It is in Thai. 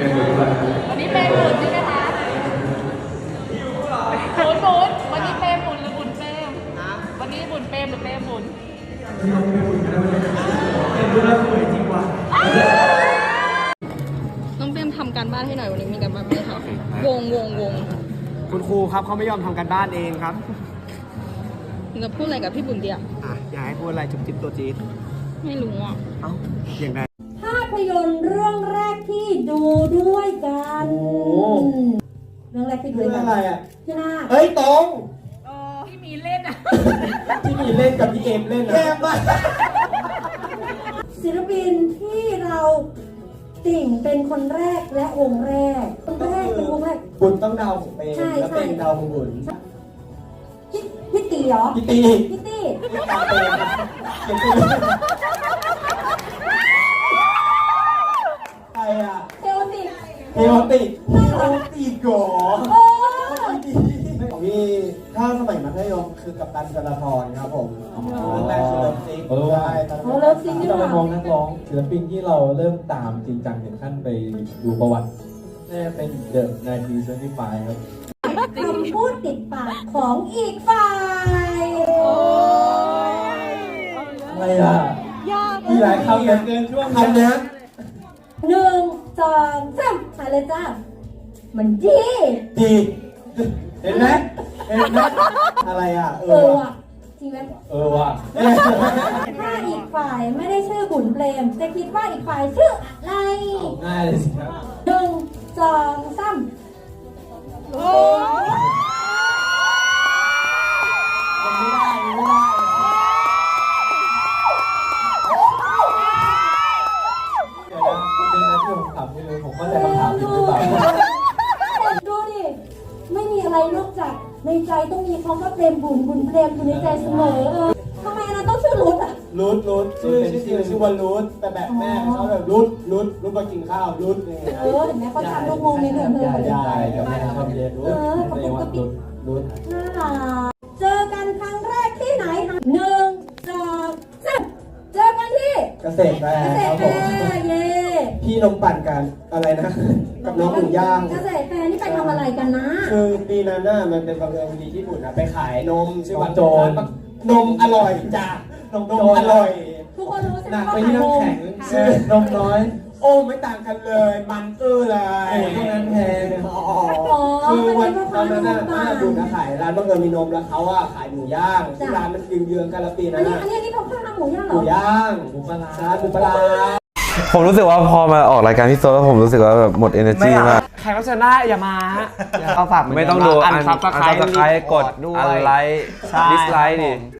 วันนี้เปย์หมุนใช่ไหมคะหมุนวันนี้เปย์หมุนหรือหมุนเปย์วันนี้หมุนเปย์หรือเปย์หมุนน้องเปรมทำการบ้านให้หน่อยวันนี้มีการบ้านไหมคะวงคุณครูครับเขาไม่ยอมทำการบ้านเองครับจะพูดอะไรกับพี่บุญเดียอยากให้พูดอะไรจุ๊บจิ๊บตัวจี๊ดไม่รู้อ่ะเอ้าอย่างไรภาพยนตร์เรื่องแรกที่ดูด้วยกันเรื่องแรกที่ดูด้วยกันอะไรอ่ะพี่นาเฮ้ยตรงที่มีเล่นอ่ะที่มีเล่นกับพี่เอมเล่นนะแย่มากศิลปินที่เราติ่งเป็นคนแรกและวงแรกคนแรกเป็นวงแรกบุญต้องเดาของเปย์แล้วเป็นเดาของบุญพี่ตีเหรอพี่ตีพี่ตีตาเปย์ใครอ่ะเทโอติเทโอติโกโอ้พี่ถ้าสมัยมัธยมคือกัปตันจราพรครับผมเรื่องแรกคือเลิฟซิกใช่โหเลิฟซิงที่นี่เราหไปว่ามองนักร้องศิลปินที่เราเริ่มตามจริงจังถึงขั้นไปดูประวัติน่าจะเป็นเดอะ1975ครับคำพูดติดปากของอีกฝ่ายอะไรอ่ะมีหลายคำเหลือเกินช่วงคำนี้ 1 2 3ถ่ายเลยจ้ามันดีดีเห็นไหมอะไรอ่ะว่ะจริงไหมว่ะถ้าอีกฝ่ายไม่ได้ชื่อบุญเปรมจะคิดว่าอีกฝ่ายชื่ออะไรง่ายเลยสิครับ 1 2 3 ไม่ได้เดี๋ยวนะคุณเป็นนักที่ผมถามไม่รู้ผมเข้าใจคำถามผิดหรือเปล่าดูดิ ไม่มีอะไรนอกจากในใจต้องมีคำว่าเปรมบุญเปรมอยู่ในใจเสมอทำไมอันนั้นต้องชื่อรุดอ่ะรูทชื่อว่ารูทแต่แบบแม่เขาแบบรูทมากินข้าวรูทเนี่ยเห็นไหมเขาทำลูกงงในหนึ่งเธอเหมือนกันใช่กับแม่ชอบเรียนรู้เรียกว่ารุดน่ารักเจอกันครั้งแรกที่ไหนคะ1 2 3เจอกันที่เกษตรแฟร์เกษคตรัรบแฟผมร์เย่พี่นมปั่นกันอะไรนะ กับน้องหมูย่างเกษตรแฟร์นี่ไปทำอะไรกันนะคือปีนั้นน่ะมันเป็นบังเอิญพอดีที่บุญนะไปขายนมชื่อว่าโจรนมอร่อยจ้ะนมอร่อยทุกคนรู้ใช่ไหหมนักว่าไปขายที่นน้ำมแข็งชื่อนมน้อยโอ้ไม่ต่างกันเลย มันเลยโอ้ตรงนั้นแพงคือวันนั้นน่ะป้าบุญนะขายร้านบังเอิญมีนมแล้วเขาอะขายหมูย่างที่ร้านมันเยื้องๆกันละปีอันั้น นนี้น่ะอันนี้เขาข้าวหมูย่างเหหรมูอย่างหมูปลาร้าร้านหมูปลาผมรู้สึกว่าพอมาออกรายการพี่โซแล้วผมรู้สึกว่าแบบหมด energy มากใครรับเชิญได้อย่ามาฮะเอาฝากไม่ต้องดูอันซับสไครกดด้วยอันไลค์ใช่ดิสไลค์ดิ